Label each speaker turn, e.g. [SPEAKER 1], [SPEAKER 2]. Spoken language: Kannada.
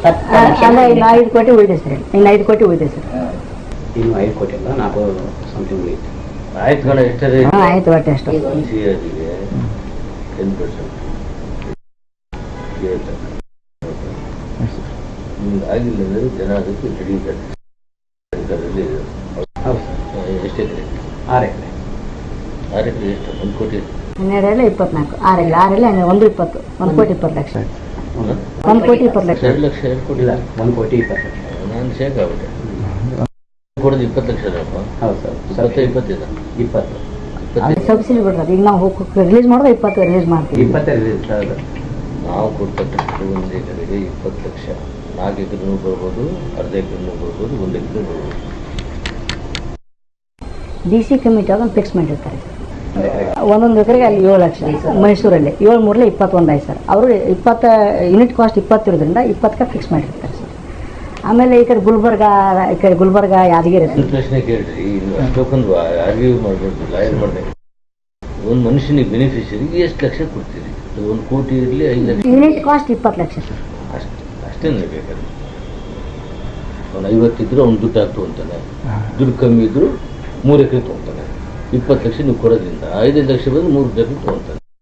[SPEAKER 1] ಅಲ್ಲ ಇನ್ನು 5 ಕೋಟಿ ಉಳಿದೆ ಸರ್. ಇನ್ನು 5 ಕೋಟಿ ಉಳಿದೆ ಸರ್.
[SPEAKER 2] ಇನ್ನು 5 ಕೋಟಿ ಅಲ್ಲ 4 ಸಮಥಿಂಗ್ ಉಳಿಯುತ್ತೆ.
[SPEAKER 3] ಆಯ್ತು ಕಣ ಎಷ್ಟೇ
[SPEAKER 1] ಆಯ್ತು ಒಟ್ಟೆ ಅಷ್ಟು.
[SPEAKER 3] ಸಿಆರ್ಗೆ 10% ನಿಮ್ಗೆ ಆಗಿಲ್ಲ ಅಂದರೆ ಜನ ಅದಕ್ಕೆ ಹಿಡಿತಾರೆ. ಎಷ್ಟು ಎಕರೆ?
[SPEAKER 2] 6 ಎಕರೆ.
[SPEAKER 3] 6 ಎಕರೆ ಎಷ್ಟು? 1 ಕೋಟಿ.
[SPEAKER 1] 12 24 6 120 1 ಕೋಟಿ 20 ಲಕ್ಷ. 1 ಕೋಟಿ 20 ಲಕ್ಷ.
[SPEAKER 3] 2 ಲಕ್ಷ 2 ಕೋಟಿ ಇಲ್ಲ
[SPEAKER 2] 1 ಕೋಟಿ 20 ಲಕ್ಷ.
[SPEAKER 3] ನಾನು ಶೇಕ್ ಆಗ್ಬಿಟ್ಟೆ. ಕೊಡೋದು 20 ಲಕ್ಷ ಅಲ್ಲಪ್ಪ?
[SPEAKER 2] ಹೌದು ಸರ್.
[SPEAKER 3] 20
[SPEAKER 1] ಸಬ್ಸಿಡಿ ಬಿಡ್ರಿ. ಈಗ ನಾವು ರಿಲೀಸ್ ಮಾಡೋದು 20 ರಿಲೀಸ್ ಮಾಡ್ತೀವಿ.
[SPEAKER 2] 20 ರಿಲೀಸ್ ಹೌದು.
[SPEAKER 3] ನಾವು ಕೊಡ್ತಕ್ಕಂಥ 1 ಎಕರೆಗೆ 20 ಲಕ್ಷ. 4 ಎಕರೆನೂ ಬರ್ಬೋದು, ಅರ್ಧ ಎಕರೆನೂ ಬರ್ಬೋದು, 1 ಎಕರೆ ಬರ್ಬೋದು.
[SPEAKER 1] DC ಕಮಿಟಿ ಅದನ್ನು ಫಿಕ್ಸ್ ಮಾಡಿರ್ತಾರೆ. ಒಂದೊಂದು ಎಕರೆಗೆ ಅಲ್ಲಿ 7 ಲಕ್ಷ. ಮೈಸೂರಲ್ಲಿ 7 3 21 ಆಯ್ತು ಸರ್. ಅವರು 20 ಯೂನಿಟ್ ಕಾಸ್ಟ್ 20 ಇರೋದ್ರಿಂದ 20ಕ್ಕೆ ಫಿಕ್ಸ್ ಮಾಡಿರ್ತಾರೆ ಸರ್. ಆಮೇಲೆ ಈ ಕಡೆ ಗುಲ್ಬರ್ಗ ಯಾದಗಿರಿ
[SPEAKER 3] ಪ್ರಶ್ನೆ ಕೇಳ್ರಿ. ಅಷ್ಟೊಂದು ಆರ್ಗ್ಯೂ ಮಾಡ್ಬಾರ್ದು, ಲಾಯರ್ ಮಾಡಿದೆ. ಒಂದು ಮನುಷ್ಯನಿಗೆ ಬೆನಿಫಿಷರಿಗೆ ಎಷ್ಟು ಲಕ್ಷ ಕೊಡ್ತೀರಿ? 1 ಕೋಟಿ ಇರಲಿ 5 lakh.
[SPEAKER 1] Unit cost 20 lakh sir.
[SPEAKER 3] ಅಷ್ಟೇನೆ ಬೇಕಾದ್ರೆ. ಅವ್ನು 50 ಇದ್ರು ಅವ್ನು ದುಡ್ಡು ಹಾಕ್ತು ಅಂತಾನೆ. ದುಡ್ಡು ಕಮ್ಮಿ ಇದ್ರು 3 ಎಕರೆ ತೊಗೊತಾನೆ. 20 ಲಕ್ಷ ನೀವು ಕೊಡೋದ್ರಿಂದ 5 ಲಕ್ಷ ಬಂದು 3 ಎಕರೆ ತೊಗೊತಾನೆ.